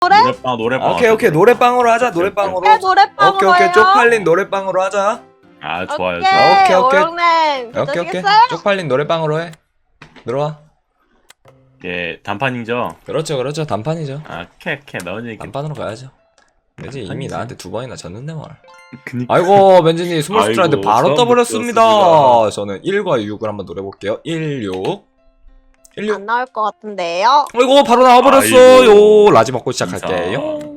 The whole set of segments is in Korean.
노래방. 오케이 노래방으로 하자. 노래방으로. 노래방으로 오케이 해요. 쪽팔린 노래방으로 하자. 아 좋아요. 오케이. 오영님 오케이 괜찮겠어요? 쪽팔린 노래방으로 해. 들어와. 예 단판이죠. 그렇죠 단판이죠. 아 캐 나온 얘기. 단판으로 가야죠. 왠지 이미 단판이지. 나한테 2번이나 졌는데 뭘. 그니까. 아이고 맨지님 스몰 아이고, 스트라이드 바로 처음 떠버렸습니다. 듣겠습니다. 저는 1과 6을 한번 노려볼게요. 1, 6 1, 6 안 나올 것 같은데요. 아이고 바로 나와버렸어요. 아이고. 라지 먹고 시작할게요.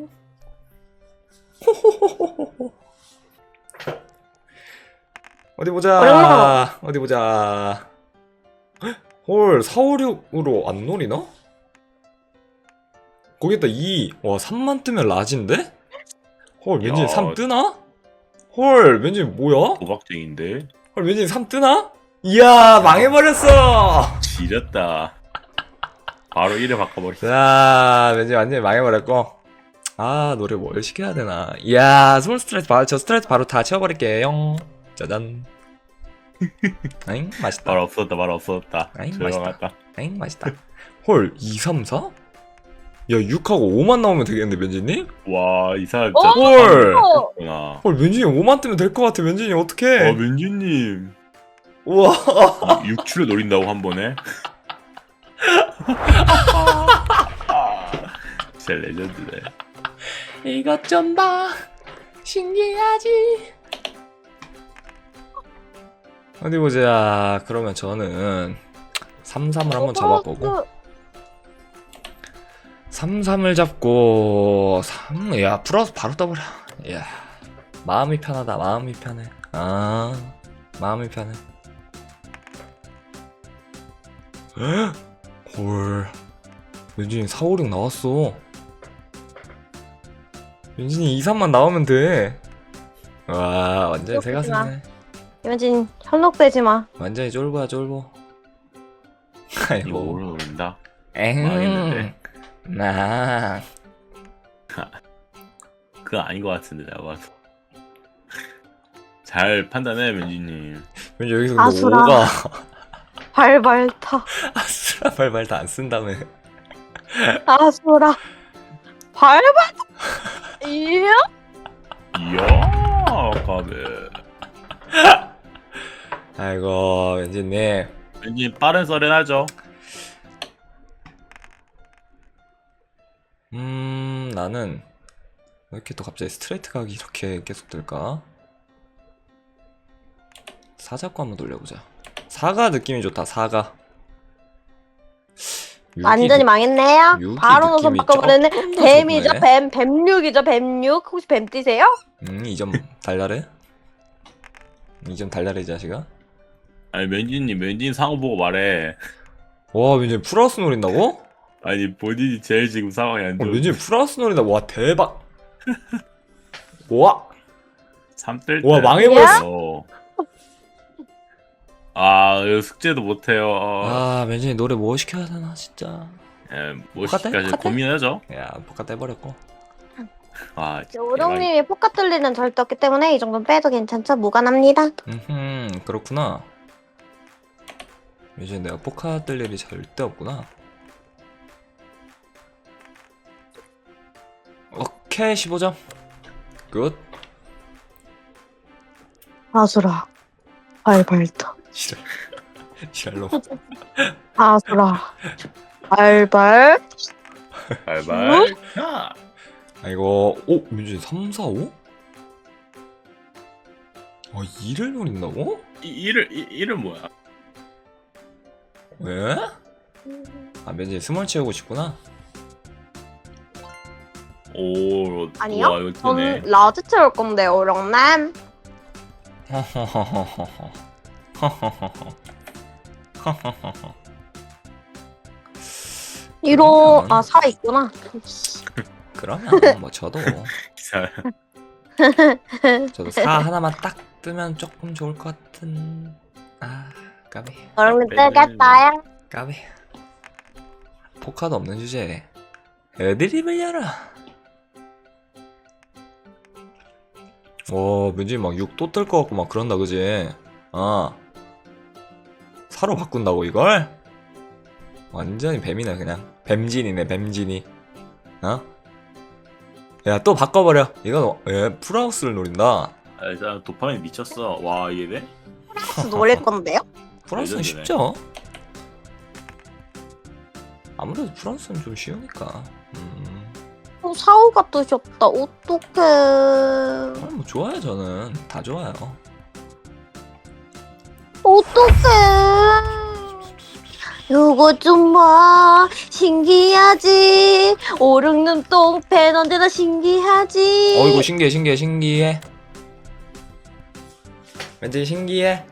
어디 보자. 어디 보자. 헐 4, 5, 6으로 안 노리나? 거기다 2. 와 3만 뜨면 라지인데? 헐 왠지 야. 3 뜨나? 헐 왠지 뭐야? 도박쟁인데. 헐 왠지 3 뜨나? 이야 망해버렸어. 지렸다. 바로 1을 바꿔버렸어. 자 왠지 완전히 망해버렸고. 아 노래 뭘 시켜야 되나. 이야 스몰 스트레이트 바로 저 스트레이트 바로 다 채워버릴게요. 짜잔. 아잉 맛있다. 말 없었다. 아이, 조용하다. 아잉 맛있다. 헐 2, 3, 4? 야 6하고 5만 나오면 되겠는데 면지님? 와 이 사람 어? 진짜 헐. 구나. 헐 면지님 5만 뜨면 될 것 같아. 면지님 어떡해. 민주님. 우와 6추를 노린다고 한 번에? 진짜 레전드네. 이것 좀 봐 신기하지. 어디 보자. 그러면 저는 3, 3을 한번 잡아보고 3, 3을 잡고 3, 야 풀어서 바로 떠버려. 야 마음이 편하다. 마음이 편해. 아 마음이 편해. 헐 윤진이 4, 5, 6 나왔어. 윤진이 2, 3만 나오면 돼. 와 완전히 새가슴네. 이현진 현혹되지 마. 완전히 쫄보야 쫄보. 이거 아이고 오늘 노린다. 엥 망했는데. 나 그거 아닌 것 같은데 내가 봐도. 잘 판단해 민주님. 왠지 여기서 근데 아수라. 5가 발발타. 아수라 발발 다 안 쓴다며. 아수라. 발발타. 이야? 이야 까베. 아이고 왠지님 민주님 빠른 썰은 하죠. 나는 왜 이렇게 또 갑자기 스트레이트 각이 이렇게 계속 될까? 4 잡고 한번 돌려보자. 4가 느낌이 좋다. 4가 완전히 망했네요. 육이 바로 노선 느낌이 바꿔버렸네. 조금 더 뱀이죠. 좋네. 뱀6이죠. 뱀6. 혹시 뱀 뛰세요? 2점 달달해? 2점 달달해 이 자식아. 아니 민주님 상호 보고 말해. 와 왠지 풀하우스 노린다고? 아니 본인이 제일 지금 상황이 안 좋은. 왠지 풀하우스 노린다. 와 대박. 와 3뜰 때. 와, 망해버렸어. 아 이거 숙제도 못해요. 아 왠지 노래 뭐 시켜야 되나 진짜. 예, 똑같아? 뭐시까지 똑같아? 고민하죠. 야 포카 떼버렸고. 아 진짜 오롱님이 포카 뚫리는 절대 없기 때문에 이 정도는 빼도 괜찮죠? 무관합니다. 그렇구나. 이제 내가 포카 뜰 일이 절대 없구나. 오케이 15점 굿. 아수라. 발발타. 지랄로. 아수라. 발발. 발발. 야. 아이고 오 민준이 3, 4, 5? 아 2를 노린다고? 이름 뭐야? 왜? 아 민준이 스몰 채우고 싶구나. 오. 아니요? 와, 이거 뜨네. 저는 라지 채울 건데 오롱남. 이로 그러면- 아 4 있구나. 그러면 뭐 저도 기사. 4 하나만 딱 뜨면 조금 좋을 것 같은. 아 까비 오롱님 빼네. 뜨겠다요. 까비. 포카도 없는 주제에 애드립을 열어. 왠지 막 6 또 뜰 것 같고 막 그런다 그지? 아 사로 바꾼다고 이걸? 완전히 뱀이네 그냥. 뱀진이네 뱀진이. 어? 야 또 바꿔버려. 이건 풀하우스를 노린다. 아, 일단 도파민 미쳤어. 와 이게 돼? 노릴 건데요? 프랑스는 레전드네. 쉽죠. 아무래도 프랑스는 좀 쉬우니까. 사오가 뜨셨다. 어떡해. 뭐 좋아요 저는 다 좋아요. 어떡해. 요거 좀 봐. 신기하지. 오륙눈 똥팬 언제나 신기하지. 어이구 신기해. 왠지 신기해.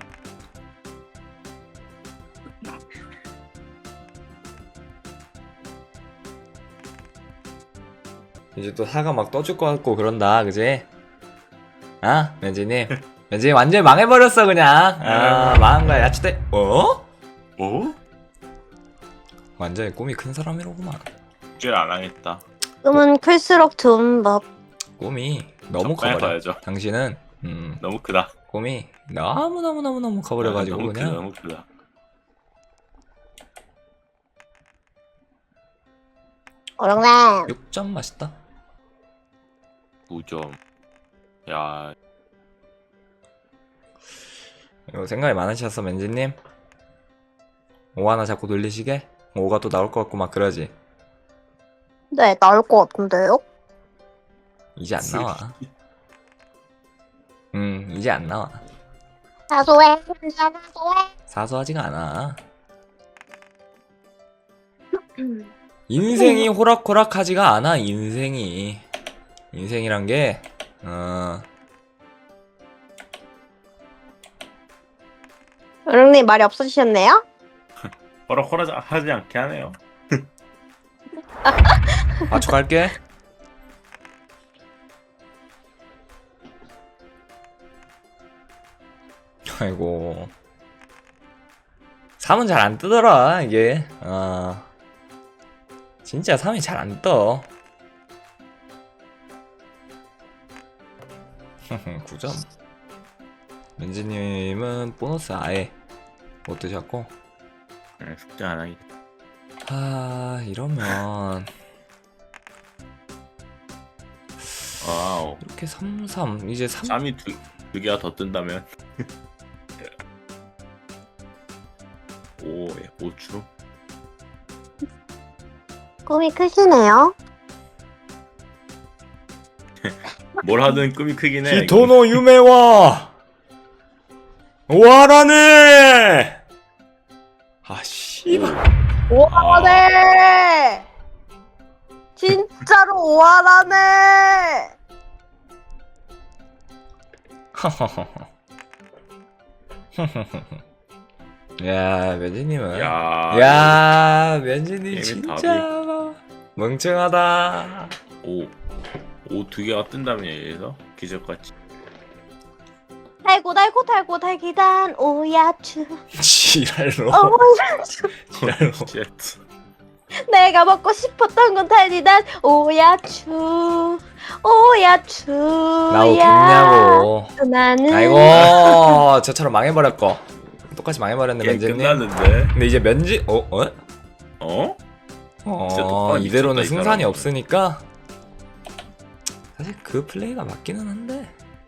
이제 또 사과 막 떠줄 것 같고 그런다, 그지? 아, 왠지님. 왠지 완전히 망해버렸어 그냥. 아, 망한 거야 야채대. 어? 뭐? 완전히 꿈이 큰 사람이로구만. 길 안 하겠다. 꿈은 클수록 좋은 법. 꿈이 너무 적당히 커버려. 봐야죠. 당신은 너무 크다. 꿈이 너무 커버려가지고 너무 그냥. 크다, 너무 크다. 어령남. 6점 맛있다. 9점. 야, 이거 생각이 많으셨어 맨지님? 5 하나 자꾸 돌리시게? 5가 또 나올 것 같고 막 그러지. 네, 나올 것 같은데요? 이제 안 나와. 이제 안 나와. 사소해. 사소해. 사소하지가 않아. 인생이 호락호락하지가 않아. 인생이란 게 어령님 말이 없어지셨네요? 허락하지 않게 하네요. 맞춰갈게. 아이고 3은 잘 안 뜨더라 이게. 진짜 3이 잘 안 떠. 9점. 민지님은 보너스 아예 못 드셨고. 숙제 안 하겠다. 이러면 와우. 이렇게 3 이제 3. 3이 두 개가 더 뜬다면. 오, 예, 5주. 꿈이 크시네요. 뭘 하든 꿈이 크긴 해. 히토노 유메와 오하라네. 씨발. 오하라네. 진짜로 오하라네. 야 면지님은 야, 면지님 게임의 진짜 멍청하다. 오, 두 개가 뜬다면 얘에서 기적같이. 달고 달기단 오야추. 지랄로. 오야추. 지랄로. 쉣. 내가 먹고 싶었던 건 달디단 오야추. 나 웃겠냐고. 나는 아이고 저처럼 망해버렸고. 똑같이 망해버렸네 게임 면지님. 끝났는데. 근데 이제 면지 어? 진짜 똑바로 이대로는 미쳤다, 이 승산이 사람은. 없으니까 사실 그 플레이가 맞기는 한데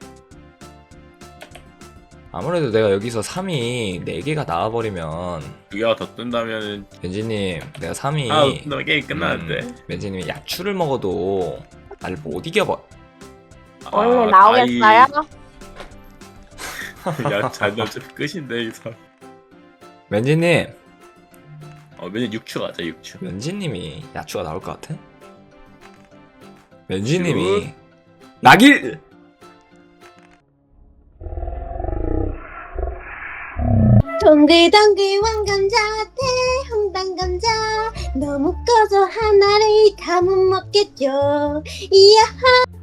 아무래도 내가 여기서 3이 4개가 나와버리면 두 개가 더 뜬다면 벤지님 내가 3이 뜬다면 게임 끝나는데. 벤지님이 야추를 먹어도 나를 못 이겨버. 원래 나오겠어요? 야, 잘 어차피 끝인데 이 사람. 벤지님 맨날 6추 가자 6추. 벤지님이 야추가 나올 것 같아? 벤지님이 나길. 동글동글 왕감자 대홍당감자 너무 커서 하나를 다 못 먹겠죠. 이야